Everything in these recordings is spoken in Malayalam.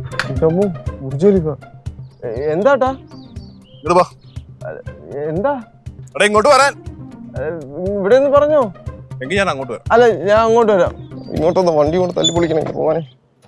എന്താട്ടാ എന്താ ഇങ്ങോട്ട് വരാൻ ഇവിടെ നിന്ന് പറഞ്ഞോ? എങ്കിൽ ഞാൻ അങ്ങോട്ട് വരാം. അല്ല ഞാൻ അങ്ങോട്ട് വരാം. ഇങ്ങോട്ടൊന്ന് വണ്ടി കൊണ്ട് തല്ലി പൊളിക്കണേ പോവാനെ.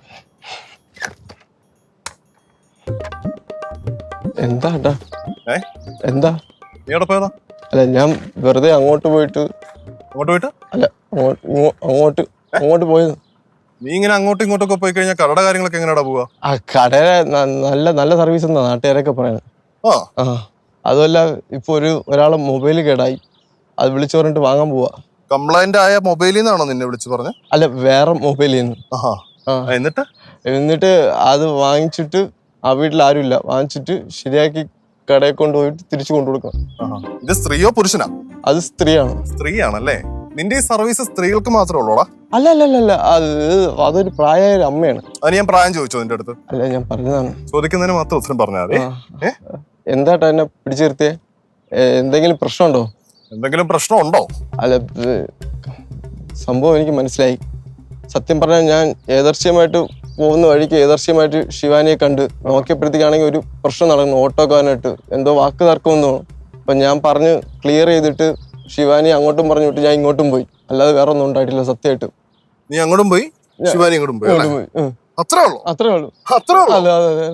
എന്താട്ടാ എന്താ നീ എവിടെ പോയതാ? അല്ല ഞാൻ വെറുതെ അങ്ങോട്ട് പോയിട്ട്. അല്ല അങ്ങോട്ട് പോയത്. നീ ഇങ്ങനെ അങ്ങോട്ടും ഇങ്ങോട്ടൊക്കെ പോയി കഴിഞ്ഞാൽ കടയുടെ കാര്യങ്ങളൊക്കെ എങ്ങനെയാ പോവാ? ആ കടയുടെ നല്ല സർവീസ് എന്നാ നാട്ടുകാരൊക്കെ പറയുന്നത്. അതുമല്ല ഇപ്പൊ ഒരാളെ മൊബൈൽ കേടായി, അത് വിളിച്ചു പറഞ്ഞിട്ട് വാങ്ങാൻ പോവാ. കംപ്ലൈന്റ് ആയ മൊബൈലിൽ നിന്നാണോ നിന്നെ വിളിച്ചു പറഞ്ഞത്? അല്ല വേറെ മൊബൈലിൽ നിന്ന്. എന്നിട്ട് അത് വാങ്ങിച്ചിട്ട് ആ വീട്ടിൽ ആരുമില്ല, വാങ്ങിച്ചിട്ട് ശരിയാക്കി കടയിൽ കൊണ്ടുപോയിട്ട് തിരിച്ചു കൊണ്ടുകൊടുക്കണം. ഇത് സ്ത്രീയോ പുരുഷനാ? അത് സ്ത്രീയാണ്. സ്ത്രീയാണല്ലേ? നിന്റെ ഈ സർവീസ് സ്ത്രീകൾക്ക് മാത്രമേ ഉള്ളൂടാ? അല്ല അതൊരു പ്രായമായ ഒരു അമ്മയാണ്. അത് ഞാൻ പ്രായം ചോദിച്ചോ നിന്റെ അടുത്ത്? അല്ല ഞാൻ പറഞ്ഞതാണ്. ചോദിക്കുന്നതിന് മാത്രം ഉത്തരം പറഞ്ഞാൽ മതി. എന്താട്ടാ എന്നെ പിടിച്ചു നിർത്തിയേ? എന്തെങ്കിലും പ്രശ്നമുണ്ടോ? എന്തെങ്കിലും പ്രശ്നമുണ്ടോ? അല്ല സംഭവം എനിക്ക് മനസ്സിലായി. സത്യം പറഞ്ഞാൽ ഞാൻ ഏദർശ്യമായിട്ട് പോകുന്ന വഴിക്ക് ഏദർശ്യമായിട്ട് ശിവാനിയെ കണ്ട് നോക്കിയപ്പോഴത്തേക്കാണെങ്കിൽ ഒരു പ്രശ്നം നടക്കുന്നു. ഓട്ടോക്കാരനായിട്ട് എന്തോ വാക്ക് തർക്കമെന്ന് തോന്നുന്നു. അപ്പം ഞാൻ പറഞ്ഞ് ക്ലിയർ ചെയ്തിട്ട് ശിവാനി അങ്ങോട്ടും പറഞ്ഞു വിട്ട് ഞാൻ ഇങ്ങോട്ടും പോയി. അല്ലാതെ വേറെ ഒന്നും ഉണ്ടായിട്ടില്ല സത്യമായിട്ട്. നീ അങ്ങോട്ടും പോയി, ശിവാനി ഇങ്ങോട്ടും പോയി. അത്രേ ഉള്ളൂ. അല്ല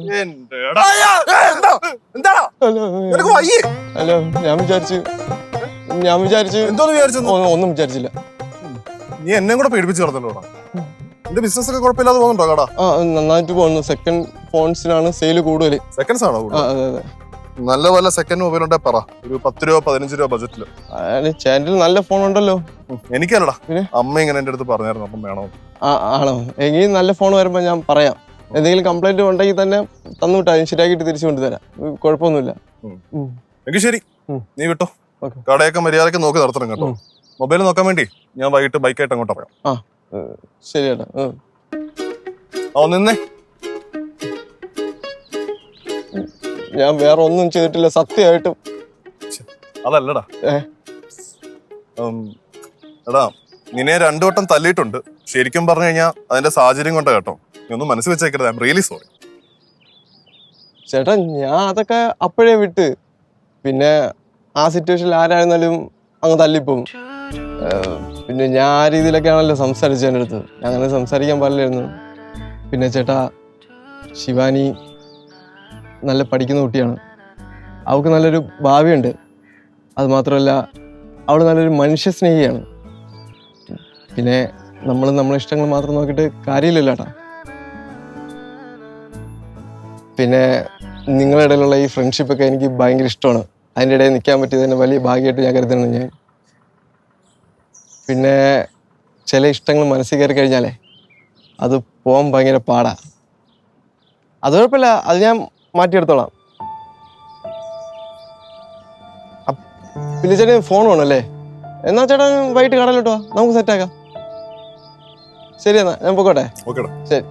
ഞാൻ വിചാരിച്ചു ഒന്നും വിചാരിച്ചില്ല. നീ എന്നെ കൂടെ പേടിപ്പിച്ച് നടന്നല്ലോടാ. നിന്റെ ബിസിനസ് ഒക്കെ കുഴപ്പമില്ലാതെ പോകുന്നുണ്ടോ കട? നന്നായിട്ട് പോകുന്നു. സെക്കൻഡ് ഫോൺസിനാണ് സെയിൽ കൂടുതൽ. സെക്കൻഡ്സ് ആണോ? അതെ. നല്ല പോലെ സെക്കൻഡ് മൊബൈൽ ഉണ്ടെ പറ. ഒരു 10 രൂപ 15 രൂപ ബജറ്റില്. ചാനലിൽ നല്ല ഫോൺ ഉണ്ടല്ലോ. എനിക്കല്ലടാ, അമ്മ ഇങ്ങനെ എന്റെ അടുത്ത് പറഞ്ഞായിരുന്നു. അപ്പം വേണോ? ആണോ? എങ്കിൽ നല്ല ഫോൺ വരുമ്പോ ഞാൻ പറയാം. എന്തെങ്കിലും കംപ്ലൈന്റ് ഉണ്ടെങ്കിൽ തന്നെ തന്നുവിട്ടാ ശരിയാക്കിട്ട് തിരിച്ചു കൊണ്ടുതരാം. കുഴപ്പമൊന്നുമില്ല. എങ്കിൽ ശരി, നീ വിട്ടോ. കടയൊക്കെ മര്യാദക്ക് നോക്കി നടത്തണം കേട്ടോ. മൊബൈൽ നോക്കാൻ വേണ്ടി ഞാൻ വൈകിട്ട് ബൈക്കായിട്ട് അങ്ങോട്ട് പറയാം. ശരിയേട്ടാ. നിന്നേ. ഞാൻ വേറെ ഒന്നും ചെയ്തിട്ടില്ല സത്യമായിട്ടും. അതല്ലടാ എടാ, നിന്നെ 2 വട്ടം തല്ലിയിട്ടുണ്ട്. ശരിക്കും പറഞ്ഞു കഴിഞ്ഞാൽ അതിന്റെ സാഹചര്യം കൊണ്ടാ കേട്ടോ. നീ ഒന്നും മനസ്സിൽ വെച്ചേക്കരുത്. I am really sorry. ചേട്ടാ ഞാൻ അതൊക്കെ അപ്പോഴേ വിട്ട്. പിന്നെ ആ സിറ്റുവേഷനിൽ ആരായിരുന്നാലും അങ്ങ് തല്ലിപ്പോവും. പിന്നെ ഞാൻ ആ രീതിയിലൊക്കെ ആണല്ലോ സംസാരിച്ചു എൻ്റെ അടുത്ത്. അങ്ങനെ സംസാരിക്കാൻ പാടില്ലായിരുന്നു. പിന്നെ ചേട്ടാ ശിവാനി നല്ല പഠിക്കുന്ന കുട്ടിയാണ്. അവൾക്ക് നല്ലൊരു ഭാവിയുണ്ട്. അത് മാത്രമല്ല അവൾ നല്ലൊരു മനുഷ്യ സ്നേഹിയാണ്. പിന്നെ നമ്മളെ ഇഷ്ടങ്ങൾ മാത്രം നോക്കിയിട്ട് കാര്യമില്ലല്ലോ ചേട്ടാ. പിന്നെ നിങ്ങളുടെ ഇടയിലുള്ള ഈ ഫ്രണ്ട്ഷിപ്പൊക്കെ എനിക്ക് ഭയങ്കര ഇഷ്ടമാണ്. അതിൻ്റെ ഇടയിൽ നിൽക്കാൻ പറ്റിയത് തന്നെ വലിയ ഭാഗ്യമായിട്ട് ഞാൻ കരുതുന്നു ഞാൻ. പിന്നെ ചില ഇഷ്ടങ്ങൾ മനസ്സിൽ കയറി കഴിഞ്ഞാലേ അത് പോകാൻ ഭയങ്കര പാടാ. അത് കുഴപ്പമില്ല, അത് ഞാൻ മാറ്റിയെടുത്തോളാം. പിന്നെ ചേട്ടൻ ഫോൺ വേണമല്ലേ? എന്നാ ചേട്ടാ വൈകിട്ട് കടയിലോട്ടോ, നമുക്ക് സെറ്റാക്കാം. ശരി എന്നാ ഞാൻ പോയിക്കോട്ടെ. ശരി.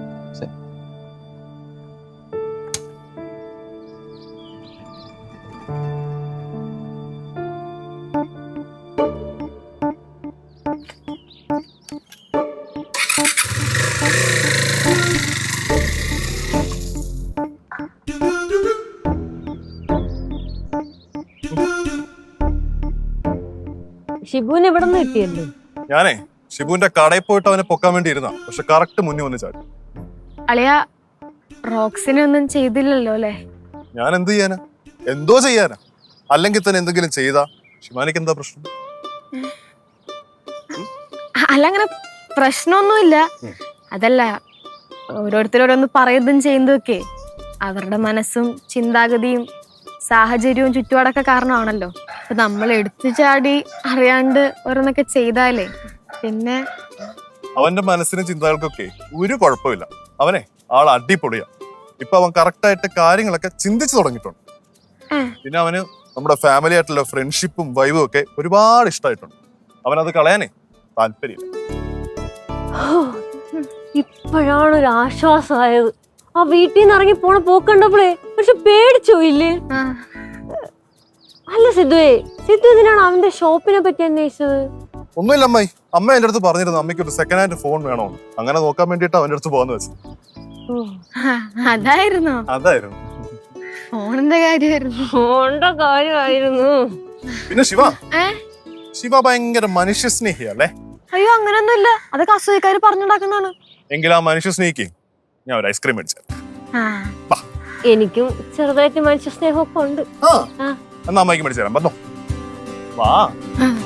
ഷിബുവിനെ ഇവിടെ നിന്ന് കിട്ടിയല്ലേ? ഞാനേ ഷിബുവിന്റെ കടയിൽ പോയിട്ട് അവനെ പൊക്കാൻ വേണ്ടി ഇരുന്ന, പക്ഷെ കറക്റ്റ് മുന്നിൽ വന്ന് ചാടി. അളിയ റോക്സിനെ ഒന്നും ചെയ്തില്ലല്ലോ അല്ലേ? ഞാൻ എന്ത് ചെയ്യാനാ? എന്തോ ചെയ്യാനാ? അല്ലെങ്കിൽ തന്നെ എന്തെങ്കിലും ചെയ്താ ശിവാനിക്ക് എന്താ പ്രശ്നം? അല്ല അങ്ങനെ പ്രശ്നമൊന്നുമില്ല. അതല്ല, ഓരോരുത്തരോടൊന്ന് പറയുന്നതും ചെയ്യുന്നതൊക്കെ അവരുടെ മനസ്സും ചിന്താഗതിയും സാഹചര്യവും ചുറ്റുപാടൊക്കെ കാരണമാണല്ലോ. അപ്പൊ നമ്മൾ എടുത്തു ചാടി അറിയാണ്ട് ഓരോന്നൊക്കെ ചെയ്താലേ പിന്നെ അവന്റെ മനസ്സിനും ചിന്തകൾക്കൊക്കെ ഒരു കുഴപ്പമില്ല. അവനെ ആൾ അടിപൊളിയാ. ഇപ്പൊ അവൻ കറക്റ്റായിട്ട് കാര്യങ്ങളൊക്കെ ചിന്തിച്ചു തുടങ്ങിയിട്ടുണ്ട്. പിന്നെ അവന് നമ്മുടെ ഫാമിലി ആയിട്ടുള്ള ഫ്രണ്ട്ഷിപ്പും വൈബും ഒക്കെ ഒരുപാട് ഇഷ്ടമായിട്ടുണ്ട്. അവനത് കളയാനേ താല്പര്യമില്ല. ഇപ്പോഴാണ് ഒരു ആശ്വാസമായത്. ആ വീട്ടിൽ നിന്ന് ഇറങ്ങി പോണ പോക്കണ്ടപ്പോഴേ പക്ഷെ പേടിച്ചോ ഇല്ലേ? അല്ല സിദ്ധു ഇതിനാണ് അവന്റെ ഷോപ്പിനെ പറ്റി അന്വേഷിച്ചത്? ഒന്നുമില്ല അമ്മായി. അമ്മ എന്റെ അടുത്ത് പറഞ്ഞിരുന്നു അമ്മയ്ക്ക് ഒരു സെക്കൻഡ് ഹാൻഡ് ഫോൺ വേണോ, അങ്ങനെ നോക്കാൻ വേണ്ടിട്ട് അവന്റെ അടുത്ത് പോകാന്ന് വെച്ചു. അതായിരുന്നോ? അതായിരുന്നു. ഫോണിന്റെ കാര്യമായിരുന്നു. ഫോണിന്റെ കാര്യമായിരുന്നു. പിന്നെ ശിവ ഏ ശിവ ഭയങ്കര മനുഷ്യ സ്നേഹിയല്ലേ? അയ്യോ അങ്ങനൊന്നുമില്ല, അതൊക്കെ അസൂയക്കാര് പറഞ്ഞുണ്ടാക്കുന്നതാണ്. എങ്കിൽ ആ മനുഷ്യ സ്നേഹിക്ക് ഞാൻ ഒരു ഐസ്ക്രീം മേടിച്ചു. എനിക്കും ചെറുതായിട്ട് മനുഷ്യ സ്നേഹമൊക്കെ ഉണ്ട്. എന്നാ അമ്മയ്ക്ക് മേടിച്ചു തരാം. വന്നോ, വാ.